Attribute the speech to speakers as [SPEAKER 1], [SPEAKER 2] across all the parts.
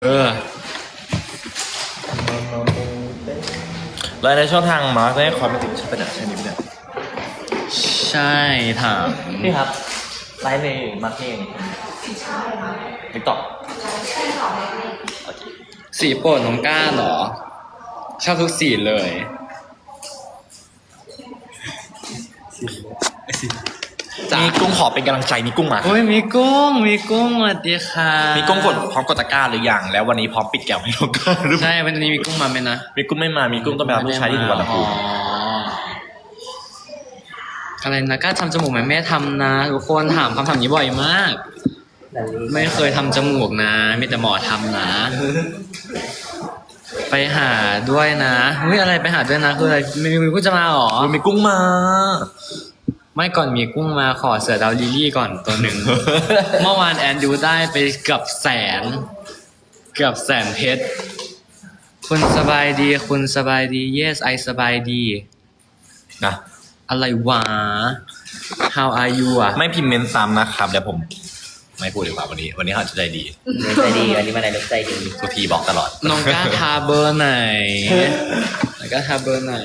[SPEAKER 1] เออแล้วในช่องทางมาร์กได้คอมเมนต์ใช่ปะเนี่ยใช่ไหมเนี่ย
[SPEAKER 2] ใช่ถาม
[SPEAKER 1] พี่ครับไลฟ์ในมาร์กเองติ๊กต็อก
[SPEAKER 2] สีโปรดน้องก้าเหรอชอบทุกสีเลย
[SPEAKER 1] มีกุ้งขอเป็นกำลังใจมีกุ้งมา
[SPEAKER 2] โอ้ยมีกุ้งสวัสดีค่ะ
[SPEAKER 1] มีกุ้งกดพร้อมกดตะกร้าหรือยังแล้ววันนี้พร้อมปิดแก้วให้น้องก้าหรือเปล่า
[SPEAKER 2] ใช่วันนี้มีกุ้งมาไหมนะ
[SPEAKER 1] มีกุ้งไม่มามีกุ้งต้องไปรับลูกชายที่สุวรรณภูมิ
[SPEAKER 2] อะไรนะก้าทำจมูกไหมแม่ทำนะทุกคนถามคำถามนี้บ่อยมากไม่เคยทำจมูกนะมีแต่หมอทำนะไปหาด้วยนะเฮ้ยอะไรไปหาด้วยนะคืออะไรมีกุ้งจะมาหรอ
[SPEAKER 1] มีกุ้งมา
[SPEAKER 2] ไม่ก่อนมีกุ้งมาขอเสือดาวลิลลี่ก่อนตัวหนึ่ง เมื่อวานแอนดูได้ไปเกือบแสนเพชรคุณสบายดี yes I สบายดี
[SPEAKER 1] นะ
[SPEAKER 2] อะไรวะ how are you อ่ะ
[SPEAKER 1] ไม่พิมพ์เมนซ้ำนะครับเดี๋ยวผมไม่พูดดีกว่าวันนี้เขาจะใจดี
[SPEAKER 3] ใจดีวันนี้มาในรถใจดี
[SPEAKER 1] สุธีบอกตลอด
[SPEAKER 2] น้องก้าทาเบอร์ไหนน้องก้าทาเบอร์ไหน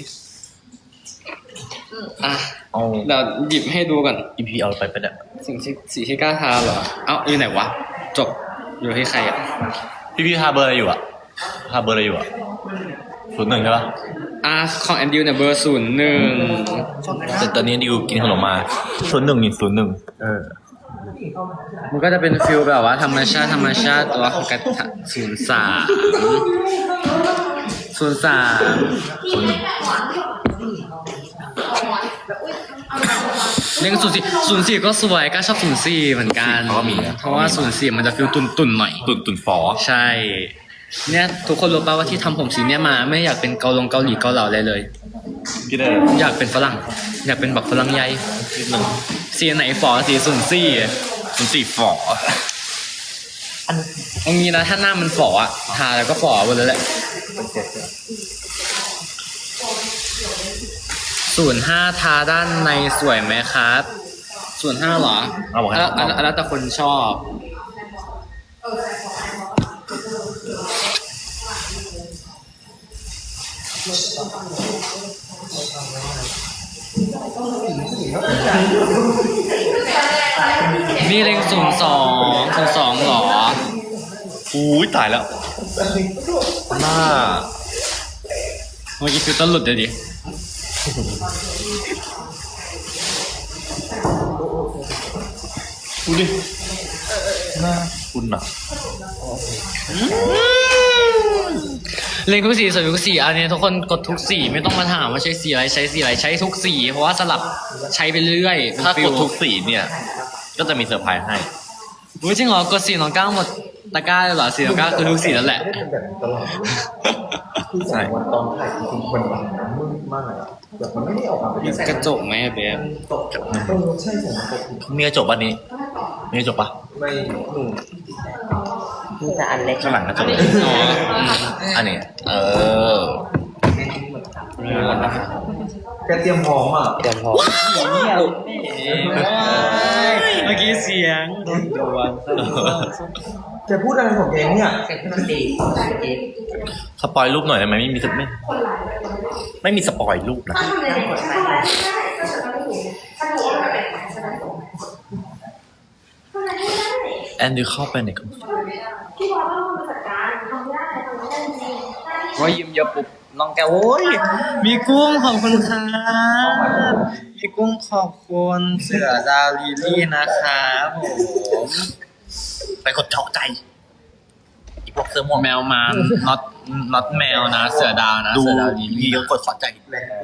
[SPEAKER 2] อ่ะเดี๋ยวหยิบให้ดูก่อน
[SPEAKER 1] อีพีเอาไปเป็นแบบ
[SPEAKER 2] สีที่กล้าทาเหรอเอ้าอยู่ไหนวะจบอยู่ที่ใครอ่ะ
[SPEAKER 1] พี่ทาเบอร์อะไรอยู่อะทาเบอร์อะไรอยู่อะ01ใช่ปะ
[SPEAKER 2] ของแอนดิวเนี่ยเบอร์01
[SPEAKER 1] แต่ตอนนี้ดิวกินขนมมา01นี่01
[SPEAKER 2] มันก็จะเป็นฟิลแบบว่าธรรมชาติตัวของกระถาง03เรื่อง04ก็สวยก็ชอบ04เหมือนกันเพราะว่า04มันจะฟิลตุ่นหน่อย
[SPEAKER 1] ตุ่นฟอ
[SPEAKER 2] ใช่เนี่ยทุกคนรู้ป่าวว่าที่ทำผมสีเนี่ยมาไม่อยากเป็นเกาหลีเกาเหลาอะไรเลย
[SPEAKER 1] พี่ได้
[SPEAKER 2] อยากเป็นฝรั่งอยากเป็นบักฝรั่งใหญ่
[SPEAKER 1] นิดนึง
[SPEAKER 2] สีไหนฝอสี
[SPEAKER 1] 04ฟอ
[SPEAKER 2] อันนี้นะถ้าหน้ามันฝออะทาแล้วก็ฝอหมดเลยแหละ05ทาด้านในสวยไหมครับ05เหรอแล้วแต่คนชอบมีเล็ง02หรอ
[SPEAKER 1] อุ้ยตายแล้วหน้า
[SPEAKER 2] เมื่อกี้ฟิลเตอร์หลุดเลยดิ
[SPEAKER 1] ดูดิหน้าคุณอะ
[SPEAKER 2] เล็งทุกสีสวยทุกสีอันนี้ทุกคนกดทุกสีไม่ต้องมาถามว่าใช้สีอะไรใช้ทุกสีเพราะว่าสลับใช้ไปเรื่อย
[SPEAKER 1] ถ้ากดทุกสีเนี่ยก็จะมีเซอร์ไพรส์ให้
[SPEAKER 2] จริงเหรอกดสีน้องก้าวหมดตะกร้าเลยเหรอสีน้องก้าวคือทุกสีนั่นแหละ
[SPEAKER 1] ใช่
[SPEAKER 3] ตอนถ่ายจริงๆมันมืดมากแบบมันไม่ได้ออกมาเป็น
[SPEAKER 2] กระจกไหมเบฟ
[SPEAKER 3] ใช่
[SPEAKER 1] มีกระจกป่ะนี้มีกระจกป่ะ
[SPEAKER 3] ไม่มีแต่อันเล็ก
[SPEAKER 1] ข้างหลังกระจกอันนี้
[SPEAKER 3] แกเตรียมพร้อมอ่ะเตรียมพร้อม
[SPEAKER 2] เมื่อกี้เสียงโดน
[SPEAKER 3] แกพูดอะไรของแกเนี่ย
[SPEAKER 1] สปอยรูปหน่อยได้ไหมไม่มีสปอยรูปนะแอนดูเข้าไปในคอม
[SPEAKER 2] ว่ายิ้มเยอะปุ๊บน้องแกโอ้ยมีกุ้งขอบคุณครับมีกุ้งขอบคุณเสือดาวลิลลี่นะครับผม
[SPEAKER 1] ไปกดเจาะใจอีพวกเสื้อม่วง
[SPEAKER 2] แมวมาน็อตแมวนะเสือดาวนะเสือดาวลิลลี่
[SPEAKER 1] กดขอใจ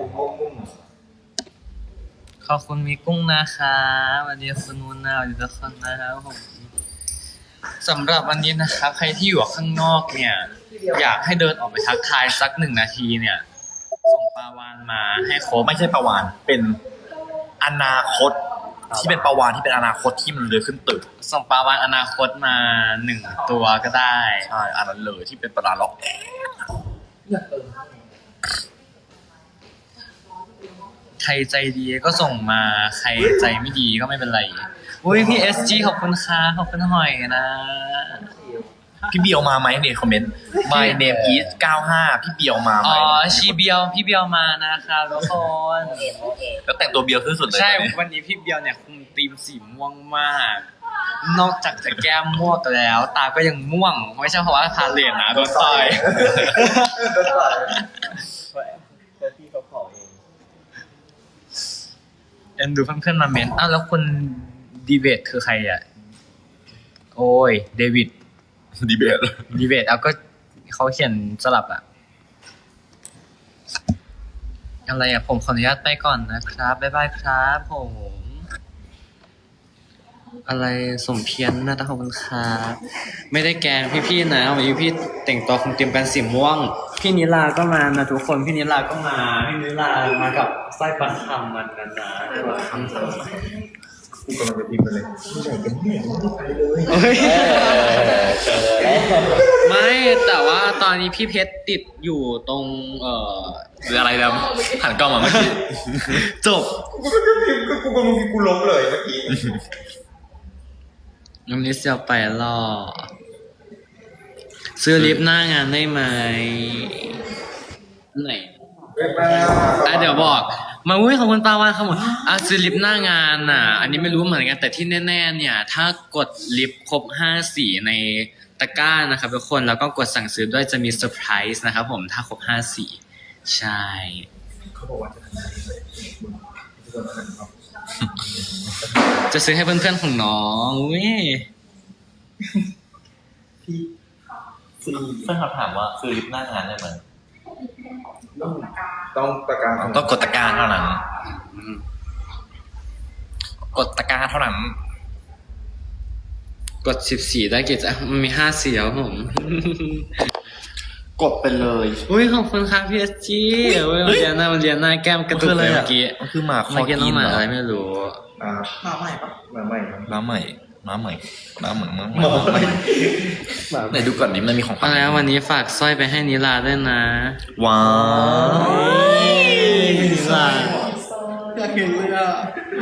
[SPEAKER 2] ขอบคุณมีกุ้งนะครับสวัสดีคุณนุนนาสวัสดีทุกคนนะครับผมสำหรับวันนี้นะครับใครที่อยู่ข้างนอกเนี่ยอยากให้เดินออกไปทักทายสัก1 นาทีเนี่ยส่งปลาวานมาให้ครบ
[SPEAKER 1] ไม่ใช่ปลาวานเป็นอนาคตที่เป็นปลาวานที่เป็นอนาคตที่มันเลื้อยขึ้นตึก
[SPEAKER 2] ส่งปลาวานอนาคตมา1 ตัวก็ได้
[SPEAKER 1] ใช่อันนั้นเลยที่เป็นปลาล็อกแอ
[SPEAKER 2] ใครใจดีก็ส่งมาใครใจไม่ดีก็ไม่เป็นไรอุ้ยพี่ SG ขอบคุณค่ะขอบคุณหอยนะ
[SPEAKER 1] พี่เบียวมาไหมเนี่ยคอมเมนต์ My name is 95พี่เบียวมาไหม
[SPEAKER 2] อ๋อชีเบียวพี่เบียวมานะครับทุกคน
[SPEAKER 1] แล้วแต่งตัวเบียวที่สุดเลย
[SPEAKER 2] ใช่
[SPEAKER 1] ตอนนี้
[SPEAKER 2] วันนี้พี่เบียวเนี่ยคุมธีมสีม่วงมาก นอกจากจะแก้มม่วงแล้ว ตาก็ยังม่วงไม่ใช่เพราะว่าพาเลนนะโดนต่อย
[SPEAKER 3] แต่พี่เขาขอเอง
[SPEAKER 2] เอ็นดูเพื่อนๆมาเมนอ้าวแล้วคนดีเบตคือใครอ่ะโอ้ยเดวิด
[SPEAKER 1] ดีเบต
[SPEAKER 2] ดีเบตเอาก็เขาเขียนสลับอะอะไรอะผมขออนุญาตไปก่อนนะครับบ๊ายบายครับผมอะไรสมเพียรนะขอบคุณครับไม่ได้แกล้งพี่ๆนะวันนี้พี่แต่งตัวคงเตรียมกันสีม่วง พี่นิลาก็มานะทุกคนพี่นิลาก็มาพี่นิลามากับสร้อยประคำมันนะนะประคำ
[SPEAKER 3] กูกำลังจะพิมพ์ไปเลยที่ไหนกันเนี่ยไม่ได้ไปเลย
[SPEAKER 2] เฮ้ยไม่แต่ว่าตอนนี้พี่เพชรติดอยู่ตรง
[SPEAKER 1] หรืออะไรแล้วหันกล้องมาเมื่อกี้
[SPEAKER 2] จบ
[SPEAKER 3] กูก็จะพิมพ์ก็กูกำลังพิมพ์กูล้มเลยเมื่อกี้
[SPEAKER 2] วันนี้เสียวไปรอซื้อลิฟต์หน้างานได้ไหมไหนเดี๋ยวบอกมาอุ้ยขอบคุณปาวานครับผมซื้อลิฟต์หน้างานน่ะ อันนี้ไม่รู้เหมือนกันแต่ที่แน่ๆเนี่ย ถ้ากดลิฟต์ครบ5สีในตะกร้านะครับทุกคนแล้วก็กดสั่งซื้อด้วยจะมีเซอร์ไพรส์นะครับผมถ้าครบ5สีใช่
[SPEAKER 3] เขาบอกว่าจะทำงานเลย
[SPEAKER 2] จะซื้อให้เพื่อนๆของน้องอุ้ย
[SPEAKER 3] พี่ซี
[SPEAKER 1] เพื่อนเขาถามว่าคือลิฟต์หน้างานได้ไหม
[SPEAKER 3] ต้องประกาศ
[SPEAKER 1] ต้องกดตะกร้าเท่านั้น กดตะกร้าเท่านั้น
[SPEAKER 2] กด14ได้กี่จ้ะมันมี5สีแล้วผม
[SPEAKER 1] กดไปเลย
[SPEAKER 2] อุ้ยขอบคุณครับพี่เอสจีอุ้ยเรียนหน้าแก้มกระตุกเลยเมื่อกี้
[SPEAKER 1] มันคือหมาคอ
[SPEAKER 2] เมื่อกี้น้อ
[SPEAKER 1] กิ
[SPEAKER 2] ง
[SPEAKER 1] น
[SPEAKER 2] หมา
[SPEAKER 1] เหรอ
[SPEAKER 2] อะไรไม่รู้
[SPEAKER 3] มาใหม่ปะมาใหม่ครับ
[SPEAKER 1] ม้าใหม่ม้าใหม่ม้าใหม่ม้าใหม่
[SPEAKER 3] มาใหม่
[SPEAKER 1] ไหนดูก่อนดิมันมีของขวั
[SPEAKER 2] เอา
[SPEAKER 1] ญ
[SPEAKER 2] แล้ววันนี้ฝากสร้อยไปให้นิลาด้วยนะ
[SPEAKER 1] ว้าว
[SPEAKER 2] นิลา
[SPEAKER 3] อยากเห็นเลยอ่ะ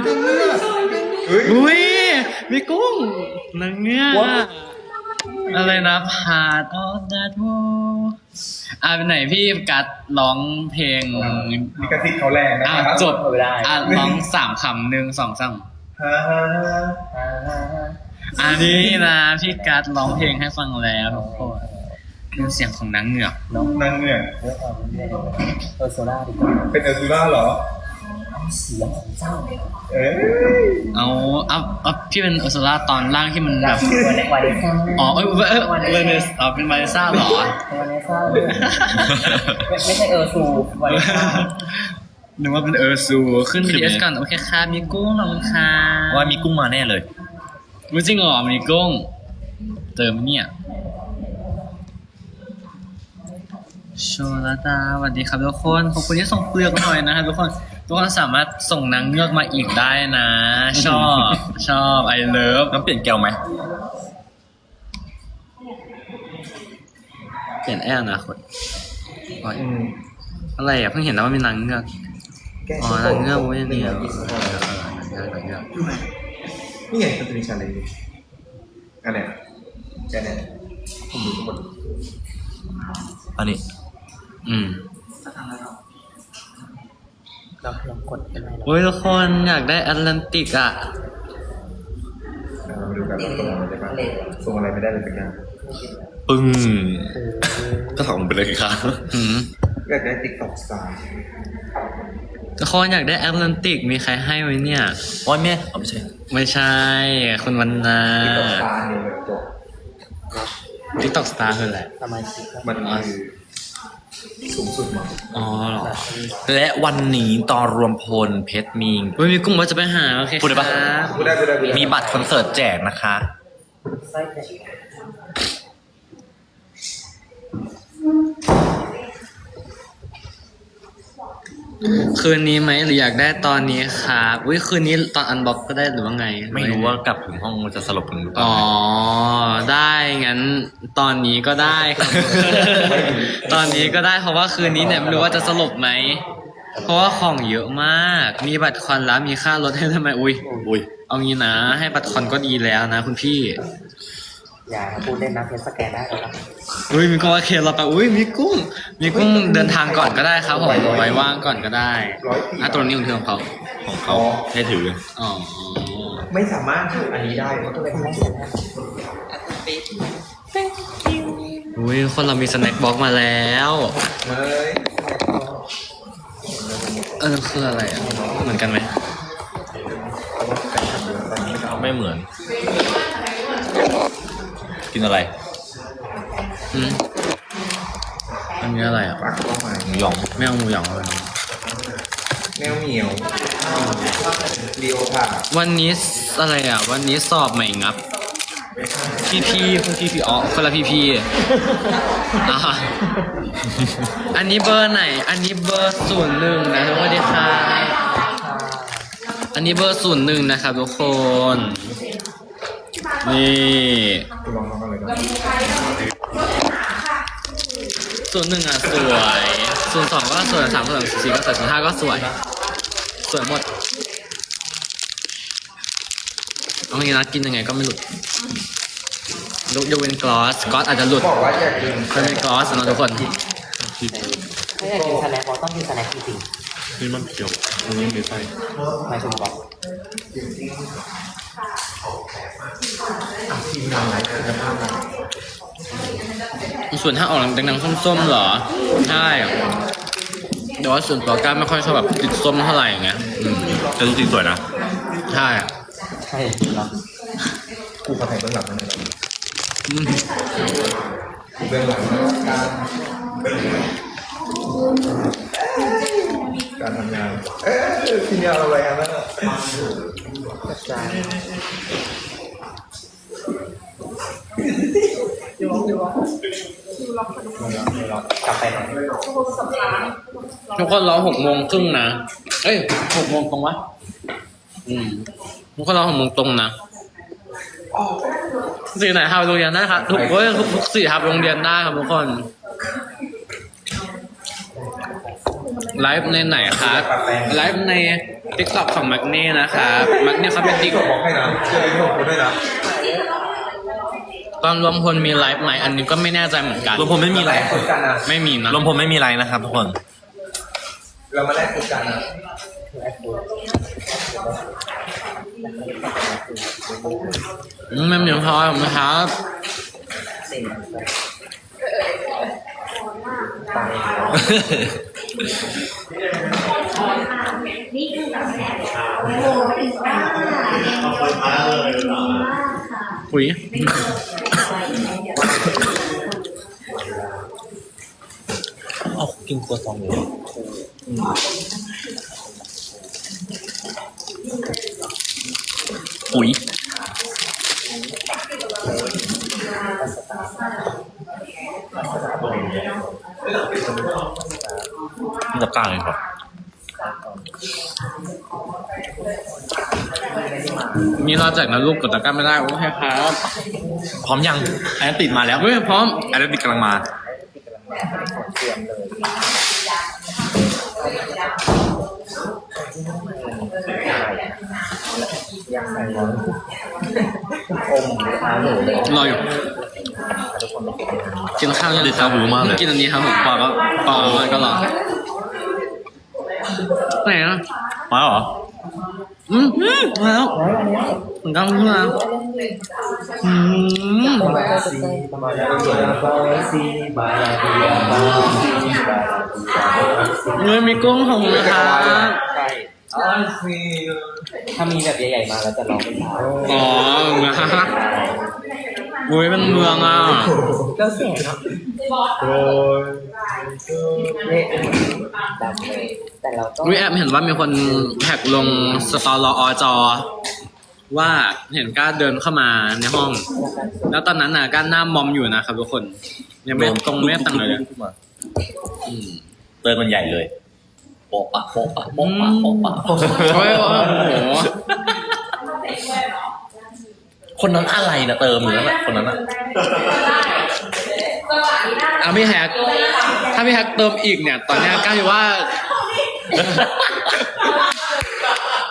[SPEAKER 2] อุ้ยมีกุ้งนางเงือกอะไรนะพาดออฟดัตโวเป็นไหนพี่กัดร้องเพลง
[SPEAKER 3] มีกระติกเขาแรงนะครั
[SPEAKER 2] จบ
[SPEAKER 3] ไม่ได้
[SPEAKER 2] ร้อง3 คำ1 2 3
[SPEAKER 3] ฮ่าฮ่าฮ่า
[SPEAKER 2] อันนี้นะพี่กัดร้องเพลงให้ฟังแล้วทุกคนเป็นเสียงของนางเงือก
[SPEAKER 3] น้องนั่งเนี่ย
[SPEAKER 4] เออโซล่าดีกว่า
[SPEAKER 3] เป็นเออร์ซูล่าเหรอ
[SPEAKER 4] เสียงของเจ้า
[SPEAKER 3] เอ้ย
[SPEAKER 2] เอาพี่เป็นอุร์ซูล่าตอนล่างที่มันแบบ
[SPEAKER 4] วาเนซ่า
[SPEAKER 2] อ๋อเวเนสเป็นวาเนซ่าเหรอ
[SPEAKER 4] วาเนซ่าไม่ใช่เออซูวาเนซ่า
[SPEAKER 2] นึกว่าเป็นเออร์ซูขึ้น BS ก่อนโอเคค่ะมีกุ้งขอบคุณค่ะ
[SPEAKER 1] ว่ามีกุ้งมาแน่เลย
[SPEAKER 2] รู้จริงเหรอมีกุ้งเติมเนี่ยโชลดาสวัสดีครับทุกคนขอบคุณที่ส่งเปลือกหน่อยนะครับทุกคนสามารถส่งนางเงือกมาอีกได้นะ ชอบไอเลิฟ
[SPEAKER 1] ต้องเปลี่ยนแก้วไหม
[SPEAKER 2] เปลี่ยนแอร์นะคนอะไรอ่ะเพิ่งเห็นแล้วว่ามีนางเงือก
[SPEAKER 3] แก้
[SPEAKER 2] อ๋อนางเงือกเว้ยเนี่ยนางเงือก
[SPEAKER 3] นี่ไงมันจะมีชาเลนจ์อันเนี้ยแค่เนี้ยผมดูทุกคน
[SPEAKER 1] อันนี้
[SPEAKER 4] เราลองกดเป็นไรหรอ
[SPEAKER 2] โอ้ยทุกคนอยากได้แอตแลนติกอ่ะ
[SPEAKER 3] เรามาดูกันว่าส่งอะไรได้บ้างส่งอะไรไม่ได้เลยสักอย่าง
[SPEAKER 1] ปึ้งก็ส่งไปเลยครับ
[SPEAKER 3] อยากได้ติ๊กต็อกสตาร์
[SPEAKER 2] ทุกคนอยากได้แอตแลนติกมีใครให้ไหมเนี่ย
[SPEAKER 1] ว่าแม่เอาไม่ใช่
[SPEAKER 2] ไม่ใช่คุณวันนา
[SPEAKER 3] ติ๊กต็อกสตาร์เนี่ยแบบจบ
[SPEAKER 2] TikTok Star คืออะไร
[SPEAKER 4] สมาชิก
[SPEAKER 3] มันคือสูงสุดมั้ง
[SPEAKER 2] อ๋อเหรอ
[SPEAKER 1] และวันนี้ตอนรวมพลเพชรมี
[SPEAKER 2] เฮ้ยมีกุ้งว่าจะไปหาโอเค
[SPEAKER 1] พูดได้ปะ
[SPEAKER 2] ครับ
[SPEAKER 3] กูได้
[SPEAKER 1] มีบัตรคอนเสิร์ตแจกนะคะ
[SPEAKER 4] ไส้แตก
[SPEAKER 2] คืนนี้ไหมหรืออยากได้ตอนนี้ครับอุ้ยคืนนี้ตอนอันบ็อกก็ได้หรือว่าไง
[SPEAKER 1] ไม่รู้ว่ากลับถึงห้องจะสลบถึงหรือเปล่า
[SPEAKER 2] อ๋อได้งั้นตอนนี้ก็ได้ครับ ตอนนี้ก็ได้เพราะว่าคืนนี้เนี่ยไม่รู้ว่าจะสลบไหมเพราะว่าของเยอะมาก มีบัตรคอนแล้วมีค่ารถให้ทำไมอุ้ย
[SPEAKER 1] อุ้ย
[SPEAKER 2] เอางี้นะให้บัตรคอนก็ดีแล้วนะคุณพี่
[SPEAKER 4] อย่าพูดเล่นนะเพชรสแกนได้แล้วนะ
[SPEAKER 2] อุ้ยมีกุ้งโอเคเราไปอุ้ยมีกุ้งเดินทางก่อนก็ได้ครับผมไว้ว่างก่อนก็ได้ตัวนี้ของเขา
[SPEAKER 1] ของเขาให้ถือ
[SPEAKER 2] อ๋อ
[SPEAKER 3] ไม่สามารถทำอันนี้ได้เพราะตัวเองไม่ใช่
[SPEAKER 2] อุ้ยคนเรามีสแน็คบ็อกมาแล้ว
[SPEAKER 3] เฮ้ย
[SPEAKER 2] คืออะไรอ่ะเหมือนกันไหม
[SPEAKER 1] ไม่เหมือน กินอะไร
[SPEAKER 2] อืมอันนี้อะไรอ่ะ
[SPEAKER 3] ปักเข้ามา
[SPEAKER 1] หมูหยอง
[SPEAKER 2] ไม่เอาหมูหยองเลย
[SPEAKER 3] แมวเหมียวลีโอผ่า
[SPEAKER 2] วันนี้อะไรอ่ะ วันนี้สอบใหม่งับ พี่อ๋อคนละพี่อ่ะอันนี้เบอร์ไหน อันนี้เบอร์01นะทุกคนดีค่ะอันนี้เบอร์01นะครับทุกคน นี่
[SPEAKER 3] ลองกันเลยครับ
[SPEAKER 2] 01อ่ะสวย02ก็สวย3 4ก็สวย05ก็สวยหมดเอางี้นะกินยังไงก็ไม่หลุดยกเว้นกลอสอาจจะหลุด
[SPEAKER 3] บอกว่าอยากกิน
[SPEAKER 2] เป็นกลอสนะทุกคน
[SPEAKER 4] ถ้าอยากกินสแน็คเราต้องกินสแน็คจริง
[SPEAKER 1] นี่มันเขียวอันนี้มีไส้
[SPEAKER 4] ๆไม่ชมบอก
[SPEAKER 3] ทีมงานไหนจะพามา
[SPEAKER 2] ส่วนถ้าออกดังๆส้มๆเหรอใช่แต่ว่าส่วนตัวก้าไม่ค่อยชอบแบบติดส้มเท่าไหร่อย่างเงี้ย
[SPEAKER 1] แต่จริงๆสวยนะ
[SPEAKER 2] ใช่
[SPEAKER 4] ใช่เนาะ
[SPEAKER 3] กูขอแต่งเบื้องหลังนั่นเอง
[SPEAKER 2] อืม
[SPEAKER 3] เบื้องหลังการทำงานทีมงานอะไรกันนะ
[SPEAKER 4] กระจายกลับไปหน่อย
[SPEAKER 2] ทุกคนรอ6:30นะเอ้ย6:00ตรงวะทุกคนรอ6:00นะสี่ไหนครับโรงเรียนได้ครับทุกสี่ครับโรงเรียนได้ครับทุกคนไลฟ์ในไหนครับไลฟ์ใน TikTok ของมักเน่นะครับมักเน่เขาเป็นติ๊ก
[SPEAKER 3] บอกให้นะเชื่อพี่ผมด้วยนะ
[SPEAKER 2] ตอนรวมพลมีไลฟ์ไหมอันนี้ก็ไม่แน่ใจเหมือนกัน
[SPEAKER 1] รวมผมไม่มีไร
[SPEAKER 3] คุยกันนะ
[SPEAKER 2] ไม่มีนะ
[SPEAKER 1] รวมผมไม่มีไรนะครับทุกคน
[SPEAKER 3] เรามาแลกคุยกันนะ
[SPEAKER 2] ไม่มีพอนะครับ
[SPEAKER 5] นี่คือแบบโอ้โหอีกมากดีมากค่ะ
[SPEAKER 2] คุย
[SPEAKER 1] เอากินตัวซองเลยปุ๋ยนี่กับกลางเลยครับ
[SPEAKER 2] มีรอแจกนะลูกกดตะกร้าไม่ได้โอเคครับ
[SPEAKER 1] พร้อมยังอันนั้นติดมาแล้ว
[SPEAKER 2] เฮ้ยพร้อม
[SPEAKER 1] อันนั้นติดกำลังมา
[SPEAKER 4] เตรียมเลยยังไงวะอมขาหนูเลย
[SPEAKER 2] รออยู่กินข้าวยัง
[SPEAKER 1] เด็ดข้าวหูมากเลย
[SPEAKER 2] กินอันนี้ครับผมปอก็รอไหนอ่ะ
[SPEAKER 1] มาเหรอ
[SPEAKER 2] มาแล้วเหมือนกันเพื่อนเฮ้ยมีกุ้งของนะครับ
[SPEAKER 4] ใช่ถ้ามีแบบใหญ่ๆมาแล้วจะร้องเป็นสาว
[SPEAKER 2] อ๋อนะอุ้ยเป็นเมืองอ่ะ
[SPEAKER 4] ก็เสียงโอ้ยนี่ดังเลยแต่เราก็
[SPEAKER 2] อุ้ยแอบเห็นว่ามีคนแท็กลงสตอรอจอว่าเห็นก้าเดินเข้ามาในห้อง แล้วตอนนั้นน่ะก้าหน้ามอมอยู่นะครับทุกคนยังไม่ตรงไม่ตั้งเลยอืม
[SPEAKER 1] เติมมันใหญ่เลยโป๊ะปะโป๊ะปะโป๊ะปะโป๊ะปะ
[SPEAKER 2] โอ้ยโอ้โห
[SPEAKER 1] คนนั้นอะไรนะเติมอยู่นั่นแหละคนนั้นอะ
[SPEAKER 2] เอาพี่แฮกถ้าพี่แฮกเติมอีกเนี่ย ตอนเนี้ยก้าอยู่ว่า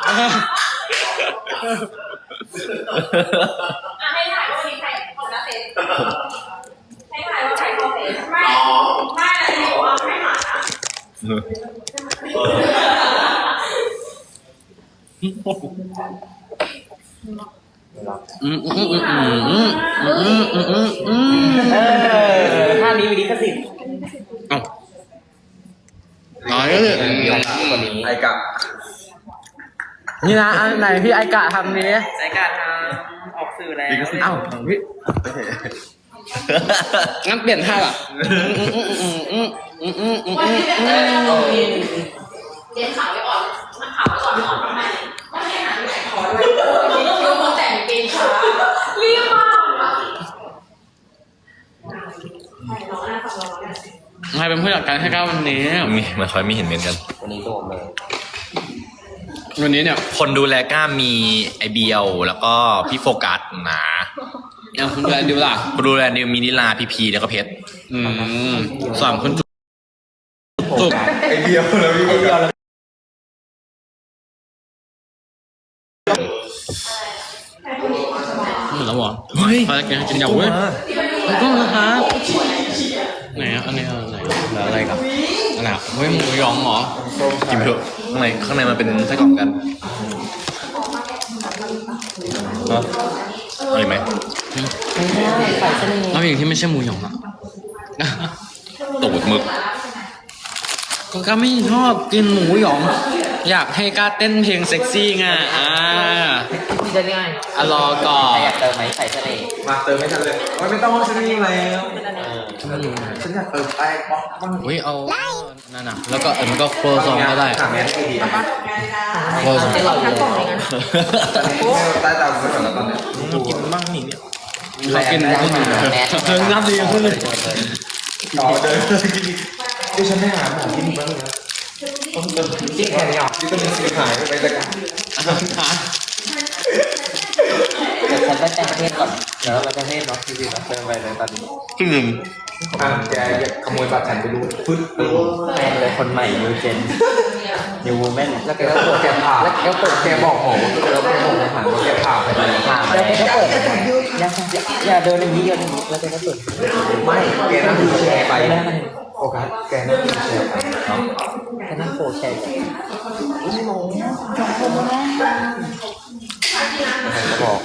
[SPEAKER 5] ให้ถ่ายว่าวันนี้ใครของนักเตะให้ถ่ายว่าใครเขาเสียไม่แต่บอกว่าไม่หานะ
[SPEAKER 4] ท่านี้มีลิขสิทธิ์
[SPEAKER 2] เอ้าน้อยเลย
[SPEAKER 4] คนนี้
[SPEAKER 3] ไอ้กะ
[SPEAKER 2] นี่นะอันไหนพี่ไอกะทำนี้
[SPEAKER 4] รายการออกสื่อแล้ว
[SPEAKER 2] เอ้าพี่งั้นเปลี่ยนท่าอ่ะ
[SPEAKER 5] เรียนข่าวไว้ก่อนนักข่าวไว้ก่อนทำไมไม่ให้หาที่ไหนขอด้วยยกมือแต่งเกงช้าเรียบมากน้องน่าฟังเราเนี่ย
[SPEAKER 2] ใครเป็นผู้จัดการให้ก้าววันนี้
[SPEAKER 1] มีมันคอยไม่เห็นเหมือนกัน
[SPEAKER 4] วันนี้รวมเลย
[SPEAKER 2] วันนี้เนี่ย
[SPEAKER 1] คนดูแลก้ามีไอเบียวแล้วก็พี่โฟกัสนะ
[SPEAKER 2] ยังคุณดูแลดิวล่ะ
[SPEAKER 1] คนดูแลนิวมีนิลาพีพีแล้วก็เพชร
[SPEAKER 2] สามคนจุก
[SPEAKER 3] ไอ้เดียวแล้วพี่เดียวแล้ว
[SPEAKER 2] หมดแล้วเหรอ
[SPEAKER 1] เฮ้ย
[SPEAKER 2] พาแกกินยำเว้ยมันก็นะคะไหนอ่ะอันนี้อะไรแล้วอะไรกับอันไหนเฮ้ยหมูหยองเหรอ
[SPEAKER 1] กินไปเถอะข้างในมันเป็นไส้กรอกกันเนาะเอาอีกไหม
[SPEAKER 2] แล้วอย่างที่ไม่ใช่หมูหยองอ่ะ
[SPEAKER 1] ตูดหมึก
[SPEAKER 2] ก็ไม่ชอบกินหมูหยอง อยากให้กล้าเต้นเพลงเซ็กซี่ไง
[SPEAKER 4] ที่จะง่าย
[SPEAKER 2] อ่ะรอก่อ
[SPEAKER 4] ใคร
[SPEAKER 2] น
[SPEAKER 4] อยากเติมไหมใส่เสน่ห์
[SPEAKER 3] มาเติมไม่ทันเลยไม่ต้องฉันมีแล้ว ฉันอยากเติมแป้งบ้างบ้าง
[SPEAKER 2] อุ้ยเอานั่นน่ะแล้วก็มันก็โครซองก็ได้
[SPEAKER 3] ถามแม่ให้ดีนะ
[SPEAKER 2] โครซอง
[SPEAKER 5] ทั้งกล่องเลยนะ
[SPEAKER 3] ใต้ตาผมก่อนแล้วตอนเนี้ย
[SPEAKER 1] กินบ้างนี่เนี่ย
[SPEAKER 2] เรากินขึ้นมาเพิ่งนับดีขึ้นเลย
[SPEAKER 3] ต่อเดินกินดิฉันไม่หาหมอที่นี่บ้างนะต้องเติมที่แค่นี้อ่ะที่ต้องมีสีหายไปจากกัน
[SPEAKER 4] เดี๋ยวฉันไปแต่งประเทศก่อนเดี๋ยวเราไปประเทศเนาะจริงๆเราเติมไปเลยตอนนี้
[SPEAKER 1] ครึ่งหนึ่ง
[SPEAKER 3] แกอยากขโมยบัตรฉันไปดูฟึดตึ้ง
[SPEAKER 4] แม่เลยคนใหม่นิวเจนนิววูแมน
[SPEAKER 3] แล้วแกก็เปิดแกผ่าแล้วแกเปิดแกบอกหมอว่าแล้วแกบอกในฐานว่าแกผ่าไปเลย
[SPEAKER 4] ผ่านแล้วแกก็เปิดอย่าเดินอย่างนี้เดินอย่างนี้แล้วแกก็เปิด
[SPEAKER 3] ไม่แกนั่งดูแชร์ไป
[SPEAKER 4] ไม่ได้
[SPEAKER 3] โฟกัสแกนั่งดูแชร์ไป
[SPEAKER 4] แกนั่งโฟแชร์
[SPEAKER 3] ก็บอก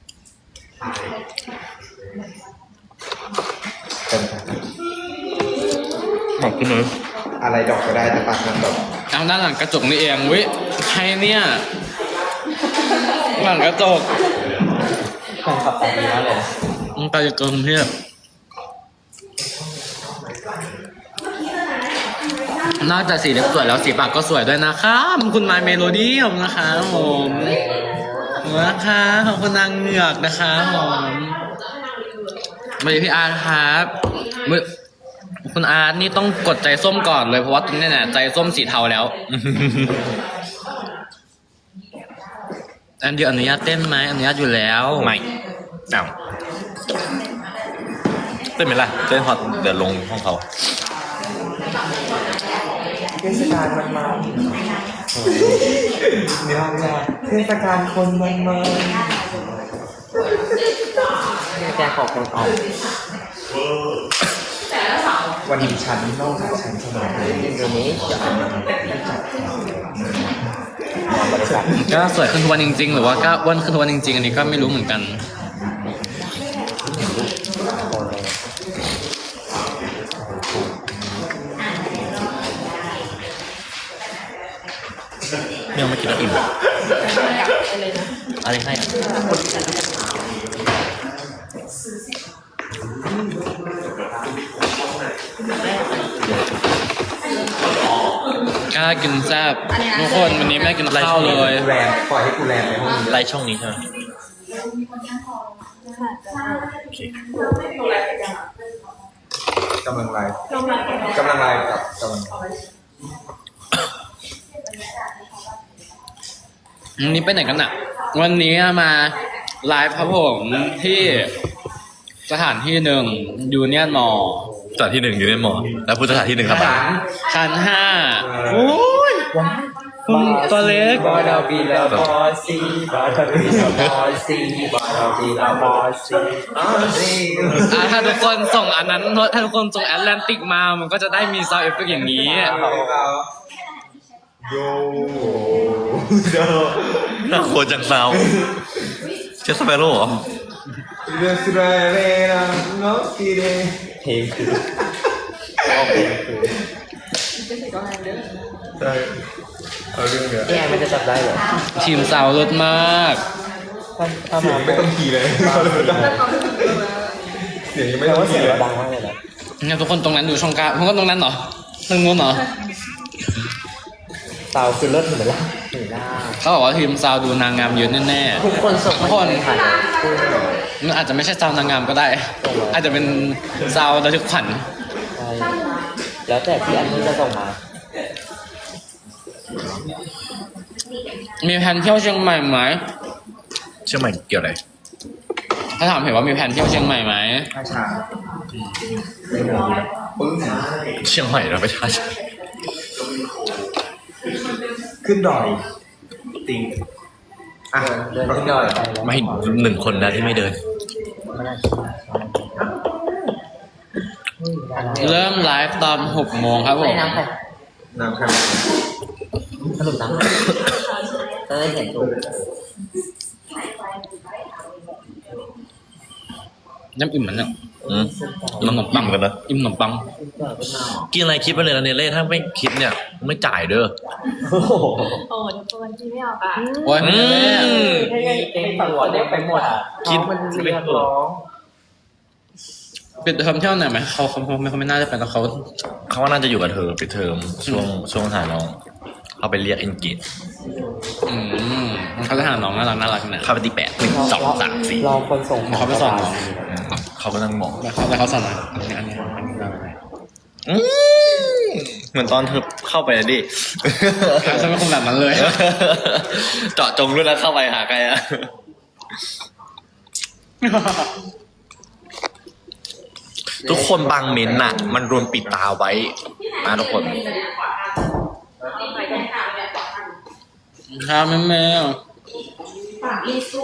[SPEAKER 3] เป็น
[SPEAKER 1] ขอบคุณเลย
[SPEAKER 3] อะไรดอกก็ได้แต่ปากมันดอก
[SPEAKER 2] เอาด้านหลังกระจกนี่เองวิใครเนี่ยหลังกระจก
[SPEAKER 4] แฟนขับแต่งดีมากเลย
[SPEAKER 2] มันไปเกินเทียบนอกจากสีเล็บสวยแล้วสีปากก็สวยด้วยนะคะคุณไมเมโลดี้ของนะคะผมนะคะขอบคุณนางเหงือกนะคะผมมาดีพี่อาร์ตครับคุณอาร์ตนี่ต้องกดใจส้มก่อนเลยเพราะว่าตรงนี้เนี่ยใจส้มสีเทาแล้ว อันเดียวอนุญาตเต้นไหมอนุญาตอยู่แล้ว
[SPEAKER 1] ไม่เอาเต้นไหมล่ะเต้นพอเดี๋ยวลงห้องเขา
[SPEAKER 3] เทศกาลมันมาเนี่ยเทศกาลคนมันมา
[SPEAKER 4] แกขอคนออก
[SPEAKER 3] วันนี้ฉันนอกจากฉันสมัยเลย
[SPEAKER 4] อินโดนีเซียบริษัท
[SPEAKER 2] ก็สวยขึ้นทุกวันจริงๆ หรือว่าก็อ้วนขึ้นทุกวันจริงๆ อันนี้ก็ไม่รู้เหมือนกัน
[SPEAKER 1] ไม่เอามากินแล้วอิ่ม
[SPEAKER 2] อะไรให้กล้ากินแซ่บทุกคนวันนี้แม่กินข้าวเลย
[SPEAKER 3] แรมปล่อยให้กูแรมในห้องนี้
[SPEAKER 1] ไลฟ์ช่องนี้ใช่ไหมโอเค
[SPEAKER 3] กำลังไลฟ์กับกำลัง
[SPEAKER 2] วันนี้ไปไหนกันอ่ะ วันนี้มาไลฟ์ครับผมที่สถานที่หนึ่งยูเนียนมอ
[SPEAKER 1] สถานที่หนึ่งอยู่ในหมอ แล้วพุทธสถานที่หนึ่งครับ
[SPEAKER 2] ชั้น5
[SPEAKER 3] โอ้ย
[SPEAKER 2] คุณตัวเล็ก
[SPEAKER 3] บาดาบีลาบอซีบาดาบีลาบอซีบาดาบีลาบอซี
[SPEAKER 2] ถ้าทุกคนส่งอันนั้นถ้าทุกคนส่งแอตแลนติกมามันก็จะได้มีซาวด์เอฟเฟกต์อย่างนี้
[SPEAKER 3] โย
[SPEAKER 1] น่าโคตรจังซาวเชสเปโร่เหรอ
[SPEAKER 3] เรื่องสุดาเรนะน้องกีเดเพลงคือใช่เอาเรื่องเนี้ย
[SPEAKER 4] นี่ไงมันจะจับได้เหรอ
[SPEAKER 2] ทีมซาวด์รถมาก
[SPEAKER 4] ถ้า
[SPEAKER 3] เสีย
[SPEAKER 4] มาง
[SPEAKER 3] ไม่ต้องขี่เลยเสียงยังไม่
[SPEAKER 4] แต่
[SPEAKER 3] ต้อง
[SPEAKER 4] ว่าเสีย
[SPEAKER 3] ขี่
[SPEAKER 4] ง
[SPEAKER 3] เลย
[SPEAKER 4] เราดังมากเลยนะ
[SPEAKER 2] เนี่ยทุกคนตรงนั้นอยู่ช่องกลางทุกคนตรงนั้นเหรอตรงนู้นเหรอ
[SPEAKER 4] เตาคือเลิศเหมือนล่ะเหมือนล่า
[SPEAKER 2] เขาบอกว่าทีมซาวด์ดูนางงามเยอะแน่
[SPEAKER 4] ทุกคนส่ง
[SPEAKER 2] ทุกคน
[SPEAKER 4] ผ่านเลย
[SPEAKER 2] ๆมันอาจจะไม่ใช่ซาวด์นางงามก็ได้ อาจจะเป็นซาวด์ระทึกขวัญ
[SPEAKER 4] ใช่แล้วแต่ที่อันนี้จะส่งมา
[SPEAKER 2] มีแผนเที่ยวเชียงใหม่ไหม
[SPEAKER 1] เชื่อไหมเกี่ยวอะไร
[SPEAKER 2] ถ้าถามเห็นว่ามีแผนเที่ยวเชียงใหม่ไหม
[SPEAKER 3] ข้าชาไม่เหมือนปึ้ง
[SPEAKER 1] เชียงใหม่เราไปท่าช้าง
[SPEAKER 3] ขึ้นดอยติงอ่ะ
[SPEAKER 4] เดินขึ้นดอยไปแล้ว
[SPEAKER 1] ไม่หนึ่งคนนะที่ไม่เดิน
[SPEAKER 4] ไม่น่าเชื่ออะไร
[SPEAKER 2] เริ่มไลฟ์ตอน6 โมงครับผ
[SPEAKER 4] ใส่
[SPEAKER 2] ม
[SPEAKER 4] น้ำใคร
[SPEAKER 3] น้ำใคร
[SPEAKER 4] สรุปน้ำใครจะได้เห็นถูก
[SPEAKER 2] น้ำอิ่มมันเนี่ย
[SPEAKER 1] อืมมันขนมปังกันนะ
[SPEAKER 2] อิ่มขนมปัง
[SPEAKER 1] กินอะไรคิดไปเลยนะเนเล่ถ้าไม่คิดเนี่ยไม่จ่ายเด้อ
[SPEAKER 4] โอ้โห
[SPEAKER 5] โอ้ทุกคนที่ไม่เอาปะ
[SPEAKER 2] โอ้ยไม่ได้
[SPEAKER 4] เต็มตัวเต็มไปหมดอ่ะ
[SPEAKER 1] คิด
[SPEAKER 4] มันเรียกร้อง
[SPEAKER 2] ปิดเทอมเที่ยวไหนอยไหมเขาไม่น่าจะเป็นแล้วเขา
[SPEAKER 1] เขาว่าน่าจะอยู่กับเธอไปเทอมช่วงหาน้องเขาไปเรียกเอนกิจ
[SPEAKER 2] เขาจะหาน้องน่ารักเนี่ย
[SPEAKER 1] เข้าไปตี8 1 2 3 4
[SPEAKER 4] รอคนส่ง
[SPEAKER 2] เขาไปสอนน้อง
[SPEAKER 1] เขาก็นั่งมอง
[SPEAKER 2] แล้วเขาสอนอันนี้อะไร
[SPEAKER 1] เหมือนตอนเธอเข้าไปอะดิ
[SPEAKER 2] ฉันเป็นคนแบบนั้นเลย
[SPEAKER 1] เจาะจงด้วยแล้วเข้าไปหาใครอะทุกคนบางเม้นต์น่ะ มันรวมปิดตาไว้นะทุกคน
[SPEAKER 2] ครับแม่
[SPEAKER 5] ปากรีสู้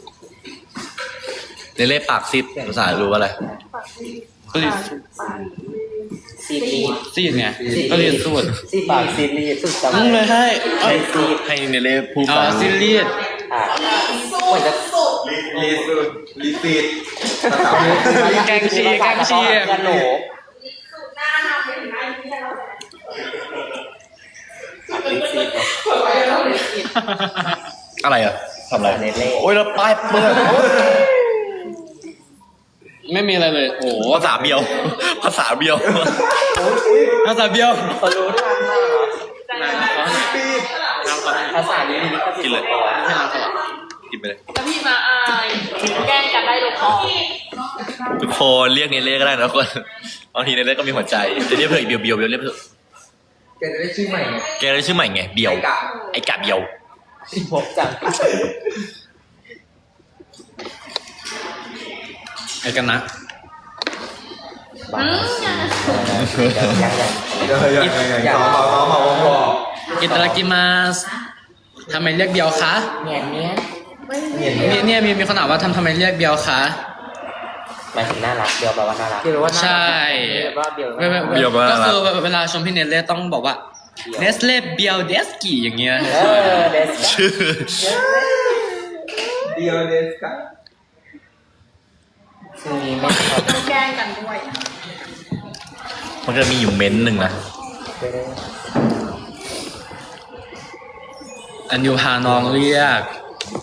[SPEAKER 1] เนเล่ปากซิดภาษารู้ว่าอะไร
[SPEAKER 2] ก็เรียน
[SPEAKER 4] ซีรีส์
[SPEAKER 2] ซีดไงก็เรียนสูตร
[SPEAKER 4] ซีปากซีรีส์สุดจำ
[SPEAKER 2] มึงเลยให้
[SPEAKER 1] ให้เนเล่พูด
[SPEAKER 2] อ๋อ
[SPEAKER 1] ไป
[SPEAKER 2] ซีรีส์
[SPEAKER 4] อ่ะเหมือนจะ
[SPEAKER 3] รีสูดรีฟีดภาษา
[SPEAKER 2] แกงชี
[SPEAKER 4] ยันโหน
[SPEAKER 5] หน้าหน้าไปถึงหน้าที่เรา
[SPEAKER 4] รีซีด
[SPEAKER 1] อะไรอะทำอะไร
[SPEAKER 4] เนเล่
[SPEAKER 1] โอ้ยแล้วป้ายเปื้อน
[SPEAKER 2] ไม่มีอะไรเลย โอ้
[SPEAKER 1] ภาษาเบียว ภาษาเบียว
[SPEAKER 2] ภาษาเบี้ยว
[SPEAKER 4] เขารู้ทันมากเหรอ
[SPEAKER 2] น้ำเขา
[SPEAKER 4] ภาษานี้มีก็
[SPEAKER 1] กินเลย
[SPEAKER 2] ไม่ใช่น้ำเขา
[SPEAKER 1] กินไปเลย
[SPEAKER 5] แล้วพี่มาอายแกล้งกันได้ลงคอ
[SPEAKER 1] ทุกคนเรียกเนเล่ก็ได้นะทุกคนบางทีเนเล่ก็มีหัวใจจะเรียกเพื่ออีกเบียวเรียกเพื่อ
[SPEAKER 3] แกจะได้ชื่อใหม่ไง
[SPEAKER 1] แกได้ชื่อใหม่ไงเบียว ไอ้กะเบียว
[SPEAKER 4] พบจัง
[SPEAKER 2] ไอ้กันนะ
[SPEAKER 4] บ้ายัง
[SPEAKER 3] อย่าพอ
[SPEAKER 2] อิตาลากิมาสทำไมเรียกเบียวคะ
[SPEAKER 4] เนี่ย
[SPEAKER 2] เนี่ยมีคนถามว่าทำไมเรียกเบียวคะ
[SPEAKER 4] หมายถึงน่ารักเบียวแปลว่าน่ารัก
[SPEAKER 2] ใช่
[SPEAKER 4] ว่าเบียว
[SPEAKER 2] ก็คือเวลาชมพี่เนเล่ต้องบอกว่าเนสเล่เบียวเดสกี้อย่างเงี้ย
[SPEAKER 4] เดส
[SPEAKER 1] ชื่อ
[SPEAKER 3] เดียวเดสค่ะ
[SPEAKER 4] ชื่อนี้ไม่ชอบ
[SPEAKER 5] แกล้งกันด้วย
[SPEAKER 1] มันจะมีอยู่เม้นต์หนึ่งนะ
[SPEAKER 2] อันยูพาน้องเรียก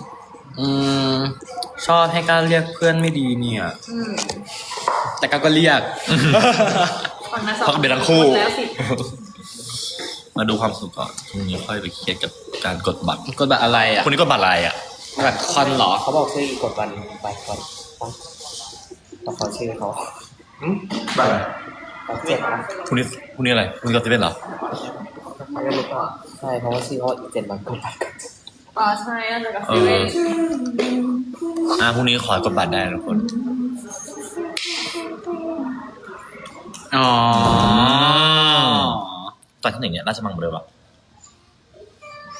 [SPEAKER 2] ชอบให้การเรียกเพื่อนไม่ดีเนี่ย แต่ก็เรียก
[SPEAKER 5] ฝั่งนั้นสอง
[SPEAKER 1] เพราะเป็นทั้งคู่
[SPEAKER 5] แล้วสิ
[SPEAKER 1] มาดูความสุขก่อนพรุ่งนี้ค่อยไปเครียดกับการกดบัตร
[SPEAKER 2] กดบัตรอะไรอ่ะ
[SPEAKER 1] พรุ่งนี้กดบัตรอะไรอ่ะ
[SPEAKER 2] บัตรคอนเหรอ
[SPEAKER 4] เขาบอกชื่ออีกกดวันไปก่อนต้องขอชื่อเขา
[SPEAKER 3] แบบ
[SPEAKER 4] เขาเจ็บนะ
[SPEAKER 1] พรุ่งนี้อะไรพรุ่งนี้ก็จะเป็นเหรอ
[SPEAKER 4] ไม่รู้ป่ะใช่เพราะว่าชื่อเขาอีก7 วันกดบัตร
[SPEAKER 5] อ๋อใช่น่าจะกับ
[SPEAKER 1] เอ
[SPEAKER 5] เซเว่
[SPEAKER 1] อน พรุ่งนี้ขอกดบัตรได้นะทุกคน
[SPEAKER 2] อ๋อ
[SPEAKER 1] ตอนที่ไหนเนี่ยราชมังเบลอปะ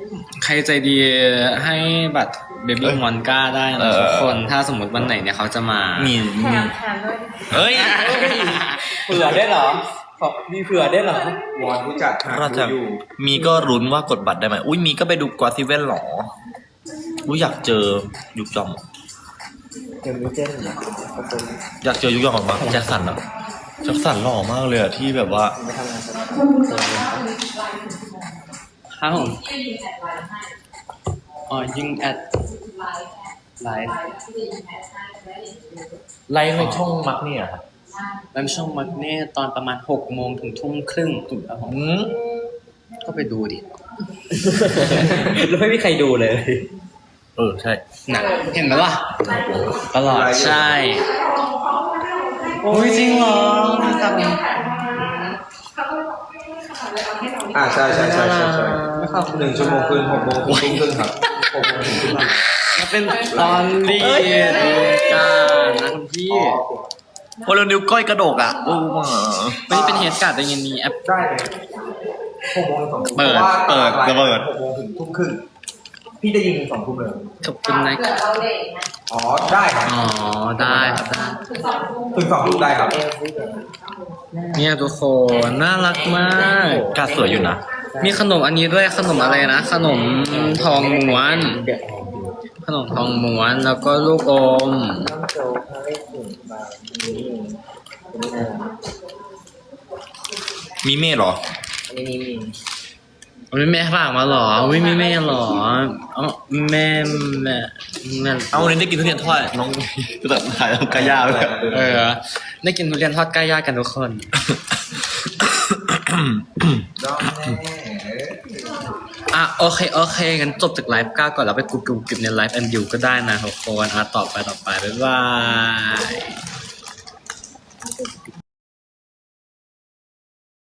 [SPEAKER 2] ใครใจดีให้บัตรเบบี้มอนก้าได้นะทุกคน ถ้าสมมติวันไหนเนี่ยเขาจะมา
[SPEAKER 1] มี
[SPEAKER 5] แถมด้วย
[SPEAKER 1] เฮ้ย
[SPEAKER 4] เผื่อได้เหรอมีเผื่อได้เหรอ
[SPEAKER 3] วอนผู้จัดหา
[SPEAKER 1] เราจะ
[SPEAKER 3] อยู่
[SPEAKER 1] มีก็ลุ้นว่ากดบัตรได้ไหมอุ้ยมีก็ไปดูกวาซิเว่นหรออุ้ยอยากเจอยุกยอม
[SPEAKER 4] เดี๋ยวมีเจนเหรอประตู
[SPEAKER 1] อยากเจอยุกยอมมากแจ็คสันอะแจ็คสันหล่อมากเลยอะที่แบบว่า
[SPEAKER 4] ไม่ทำงานสัก
[SPEAKER 2] ครับผมอ๋อยิงแอดไลฟ์
[SPEAKER 1] ไลฟ์ในช่องมักเนี่ยครับ
[SPEAKER 2] ไลฟ์ช่องมักเน่ตอนประมาณ6 โมงถึงทุ่มครึ่งถูกครับผมก็ไปดูดิ
[SPEAKER 4] แล้วไม่มีใครดูเลย
[SPEAKER 1] ใช่
[SPEAKER 2] หนักเห็นไหมล่ะตลอดใช่โอ้ยจริงเหรอครับ
[SPEAKER 3] ใช่1 ชั่วโมงคืน6 โมงถึงทุ่มครึ่งครับ6 โมงถึงทุ่มครึ่ง
[SPEAKER 2] มันเป็นตอนเรียนการนะคุณพี่
[SPEAKER 1] พอเรานิ้วก้อยกระดกอ่ะโอ้มา
[SPEAKER 2] ไม่ได้เป็นเฮดการ์ดได้ยินมีแอป
[SPEAKER 3] ได้เลย6 โมงถึง2 ทุ่ม
[SPEAKER 1] เปิด
[SPEAKER 3] พราะว่า
[SPEAKER 1] ระเบิด
[SPEAKER 3] 6 โมงถึงทุ่มครึ่งพี่ได้ยิน2 ทุ่มเลย
[SPEAKER 2] ขอบคุณนะค
[SPEAKER 5] เกิ
[SPEAKER 2] รั
[SPEAKER 5] ด
[SPEAKER 2] บ
[SPEAKER 5] เราเด็กนะ
[SPEAKER 3] อ๋อได้ครับ
[SPEAKER 2] อ๋อได้ครับได้
[SPEAKER 5] คือ2 ทุ่ม
[SPEAKER 3] ถึง2 ทุ่มได้ครับ
[SPEAKER 2] เนี่ยทุกคนน่ารักมาก
[SPEAKER 1] กาสวยอยู่นะ
[SPEAKER 2] มีขนมอันนี้ด้วยขนมอะไรนะ ขนมทองม้วน
[SPEAKER 4] เดี๋ยวออกดู
[SPEAKER 2] ขนมทองม้วนแล้วก็ลูกอม
[SPEAKER 4] น้ำโจ๊กเขาได้ถึงบางนี้นี่น่ารัก
[SPEAKER 1] มีเมฆเหรอ
[SPEAKER 4] อันนี้มี
[SPEAKER 2] ไม่แม่ฝากมาเหรอไม่มีแม่เหรออ๋อแม่แม่
[SPEAKER 1] เอาวันนี้ได้กินทุเรียนทอดน้องก็แบบถ่ายทำกายาเลย
[SPEAKER 2] ได้กินทุเรียนทอดใกล้ย่ากันทุกคน
[SPEAKER 3] จ้องแน่
[SPEAKER 2] โอเคงั้นจบจากไลฟ์ก้าก่อนแล้วไปกรุบในไลฟ์แอนดิวก็ได้นะทุกคนต่อไปบ๊ายบาย